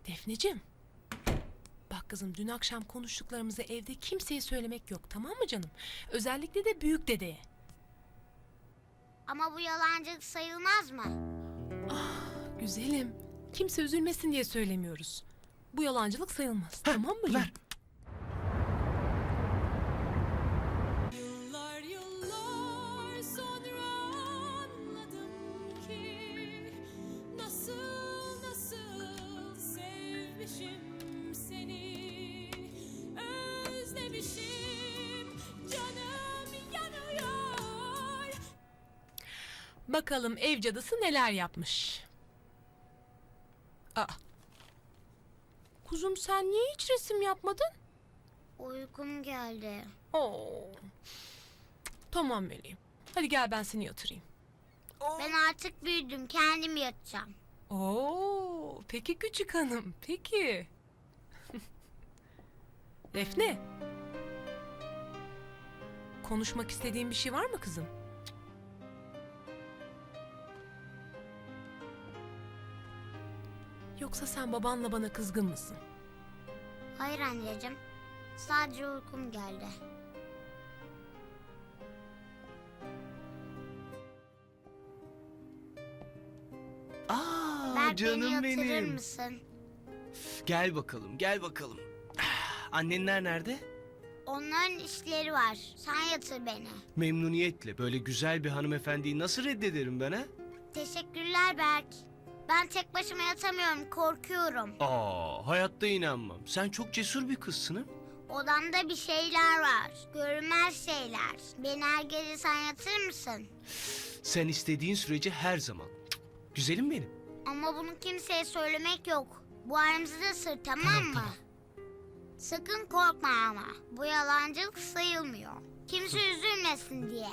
Defneciğim. Bak kızım, dün akşam konuştuklarımızı evde kimseye söylemek yok, tamam mı canım? Özellikle de büyük dedeye. Ama bu yalancılık sayılmaz mı? Güzelim. Kimse üzülmesin diye söylemiyoruz. Bu yalancılık sayılmaz. Tamam mı? Ver. Yıllar yıllar sonra anladım ki nasıl sevmişim seni, özlemişim, canım yanıyor. Bakalım ev cadısı neler yapmış. Aa. Kuzum, sen niye hiç resim yapmadın? Uykum geldi. Oo. Tamam meleğim. Hadi gel ben seni yatırayım. Ben artık büyüdüm, kendim yatacağım. Oo, peki küçük hanım, peki. Defne. Konuşmak istediğin bir şey var mı kızım? Yoksa sen babanla bana kızgın mısın? Hayır anneciğim, sadece uykum geldi. Aa, Berk, beni canım yatırır benim. mısın? Gel bakalım, gel bakalım. Annenler nerede? Onların işleri var. Sen yatır beni. Memnuniyetle. Böyle güzel bir hanımefendiyi nasıl reddederim ben ha? Teşekkürler Berk. Ben tek başıma yatamıyorum, korkuyorum. Aa, hayatta inanmam. Sen çok cesur bir kızsın ha? Odamda bir şeyler var. Görünmez şeyler. Beni her gece sen yatırır mısın? Sen istediğin sürece her zaman. Cık, güzelim benim. Ama bunu kimseye söylemek yok. Bu aramızda sır, tamam mı? Sakın korkma ama. Bu yalancılık sayılmıyor. Kimse üzülmesin diye.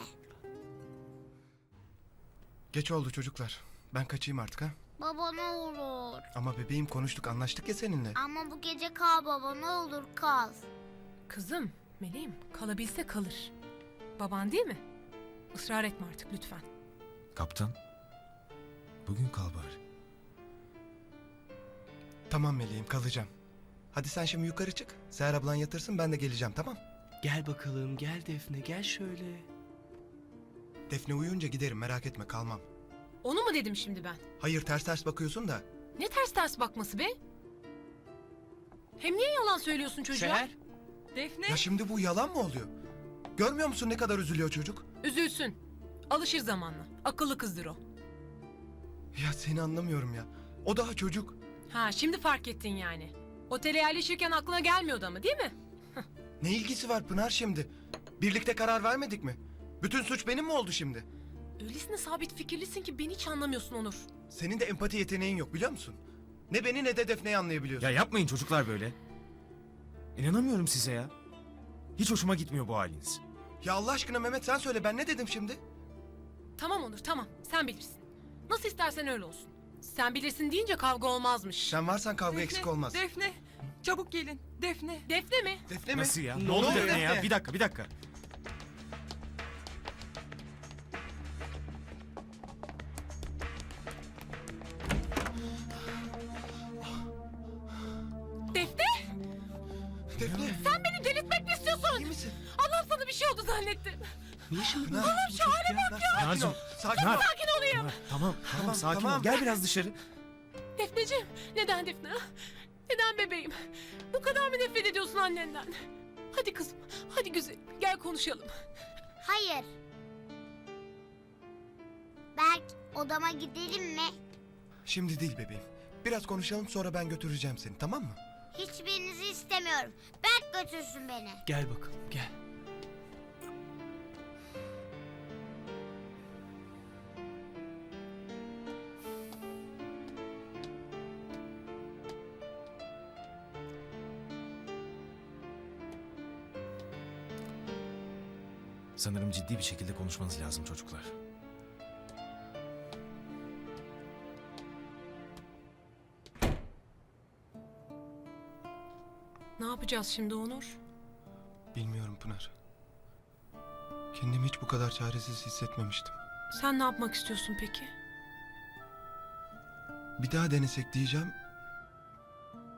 Geç oldu çocuklar. Ben kaçayım artık ha. Baba ne olur. Ama bebeğim konuştuk, anlaştık ya seninle. Ama bu gece kal baba, ne olur kal. Kızım, meleğim, kalabilse kalır. Baban değil mi? Israr etme artık lütfen. Kaptan, bugün kal bari. Tamam meleğim, kalacağım. Hadi sen şimdi yukarı çık. Seher ablan yatırsın, ben de geleceğim, tamam? Gel bakalım, gel Defne, gel şöyle. Defne uyuyunca giderim, merak etme, kalmam. Onu mu dedim şimdi ben? Hayır, ters ters bakıyorsun da. Ne ters ters bakması be? Hem niye yalan söylüyorsun çocuğa? Seher, Defne. Ya şimdi bu yalan mı oluyor? Görmüyor musun ne kadar üzülüyor çocuk? Üzülsün. Alışır zamanla. Akıllı kızdır o. Ya seni anlamıyorum ya. O daha çocuk. Ha, şimdi fark ettin yani. Otele yerleşirken aklına gelmiyordu ama, değil mi? Ne ilgisi var Pınar şimdi? Birlikte karar vermedik mi? Bütün suç benim mi oldu şimdi? Öylesine sabit fikirlisin ki beni hiç anlamıyorsun Onur. Senin de empati yeteneğin yok, biliyor musun? Ne beni ne de Defne'yi anlayabiliyorsun. Ya yapmayın çocuklar böyle. İnanamıyorum size ya. Hiç hoşuma gitmiyor bu haliniz. Ya Allah aşkına Mehmet, sen söyle, ben ne dedim şimdi? Tamam Onur, tamam. Sen bilirsin. Nasıl istersen öyle olsun. Sen bilirsin deyince kavga olmazmış. Sen varsan kavga eksik olmaz. Defne, çabuk gelin. Defne. Defne mi? Defne mi? Nasıl ya? Ne Ne oldu oluyor Defne ya? Defne? Bir dakika. Defne? Defne. Sen beni delirtmek mi istiyorsun? İyi misin? Allah'ım, sana bir şey oldu zannettim. niye şimdi Pınar, Allah'ım şu hale bak ya. Sakin Pınar'cığım, ol. Sakin Pınar. ol. Sakin olayım. Tamam, sakin tamam. ol. Gel biraz dışarı. Defneciğim, neden Defne? Neden bebeğim? Bu kadar mı nefret ediyorsun annenden? Hadi kızım, hadi güzel. Gel konuşalım. Hayır. Berk, odama gidelim mi? Şimdi değil bebeğim. Biraz konuşalım, sonra ben götüreceğim seni, tamam mı? Hiçbirinizi istemiyorum. Berk götürsün beni. Gel bakalım, gel. Sanırım ciddi bir şekilde konuşmanız lazım çocuklar. Ne yapacağız şimdi Onur? Bilmiyorum Pınar. Kendimi hiç bu kadar çaresiz hissetmemiştim. Sen ne yapmak istiyorsun peki? Bir daha denesek diyeceğim.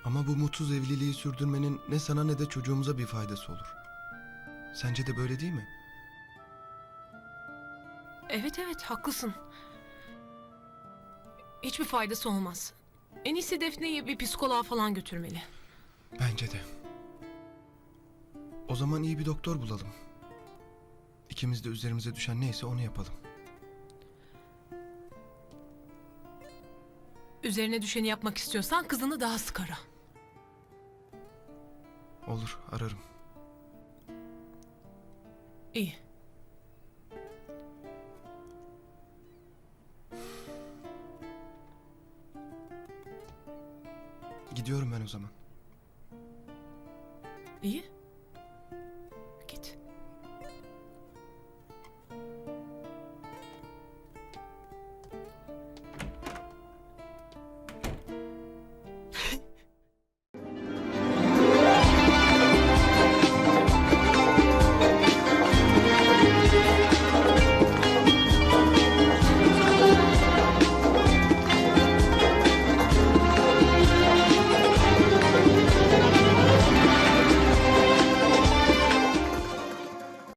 Ama bu mutsuz evliliği sürdürmenin ne sana ne de çocuğumuza bir faydası olur. Sence de böyle değil mi? Evet evet haklısın. Hiçbir faydası olmaz. En iyisi Defne'yi bir psikoloğa falan götürmeli. Bence de. O zaman iyi bir doktor bulalım. İkimiz de üzerimize düşen neyse onu yapalım. Üzerine düşeni yapmak istiyorsan kızını daha sık ara. Olur, ararım. İyi. Gidiyorum ben o zaman. İyi.